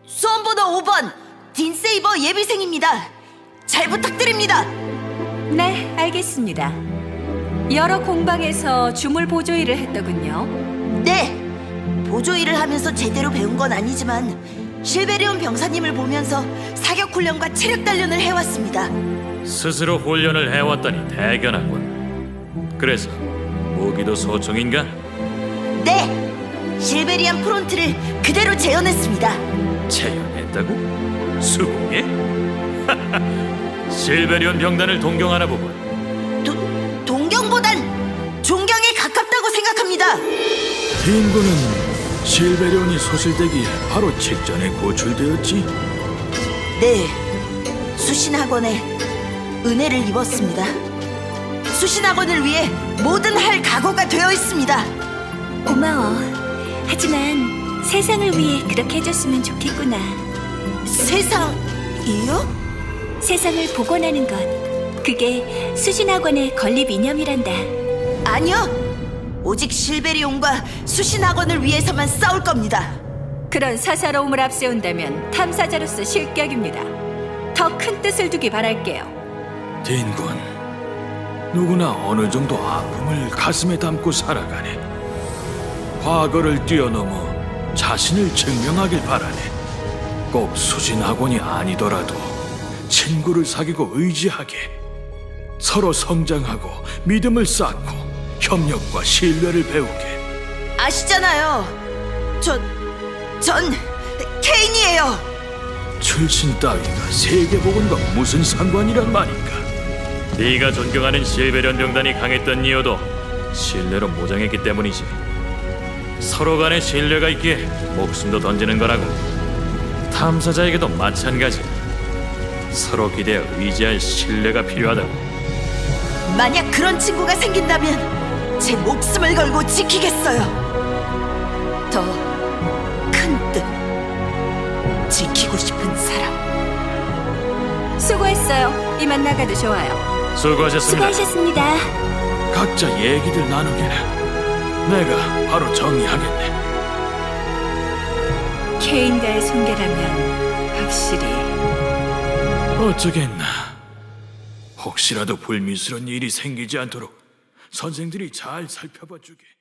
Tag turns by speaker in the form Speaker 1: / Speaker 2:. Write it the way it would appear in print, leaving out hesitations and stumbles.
Speaker 1: 수험번호 5번 딘세이버 예비생입니다. 잘 부탁드립니다.
Speaker 2: 네, 알겠습니다. 여러 공방에서 주물 보조 일을 했더군요.
Speaker 1: 네, 보조 일을 하면서 제대로 배운 건 아니지만 실베리온 병사님을 보면서 사격 훈련과 체력 단련을 해왔습니다.
Speaker 3: 스스로 훈련을 해왔다니 대견하군. 그래서 무기도 소총인가?
Speaker 1: 네, 실베리안 프론트를 그대로 재현했습니다.
Speaker 3: 재현했다고? 수공예? 실베리온 병단을 동경하나 보군.
Speaker 1: 동경보단 존경에 가깝다고 생각합니다.
Speaker 4: 딘군은 실베리온이 소실되기에 바로 직전에 구출되었지.
Speaker 1: 네, 수신학원에 은혜를 입었습니다. 수신학원을 위해 뭐든 할 각오가 되어 있습니다.
Speaker 2: 고마워. 하지만 세상을 위해 그렇게 해줬으면 좋겠구나.
Speaker 1: 세상이요?
Speaker 2: 세상을 복원하는 것. 그게 수신학원의 건립 이념이란다.
Speaker 1: 아니요, 오직 실베리온과 수신학원을 위해서만 싸울 겁니다.
Speaker 2: 그런 사사로움을 앞세운다면 탐사자로서 실격입니다. 더 큰 뜻을 두기 바랄게요.
Speaker 4: 딘군, 누구나 어느 정도 아픔을 가슴에 담고 살아가네. 과거를 뛰어넘어 자신을 증명하길 바라네. 꼭 수신학원이 아니더라도 친구를 사귀고 의지하게, 서로 성장하고 믿음을 쌓고 협력과 신뢰를 배우게.
Speaker 1: 아시잖아요. 전 케인이에요.
Speaker 4: 출신 따위가 세계복음과 무슨 상관이란 말인가?
Speaker 3: 네가 존경하는 실베리온 병단이 강했던 이유도 신뢰로 모장했기 때문이지. 서로 간에 신뢰가 있기에 목숨도 던지는 거라고. 탐사자에게도 마찬가지. 서로 기대어 의지할 신뢰가 필요하다고.
Speaker 1: 만약 그런 친구가 생긴다면 제 목숨을 걸고 지키겠어요. 더 큰 뜻, 지키고 싶은 사람.
Speaker 2: 수고했어요. 이만 나가도 좋아요.
Speaker 3: 수고하셨습니다.
Speaker 2: 수고하셨습니다.
Speaker 4: 각자 얘기들 나누게나. 내가 바로 정리하겠네.
Speaker 2: 케인과의 손괴라면 확실히.
Speaker 4: 어쩌겠나. 혹시라도 불미스러운 일이 생기지 않도록 선생들이 잘 살펴봐 주게.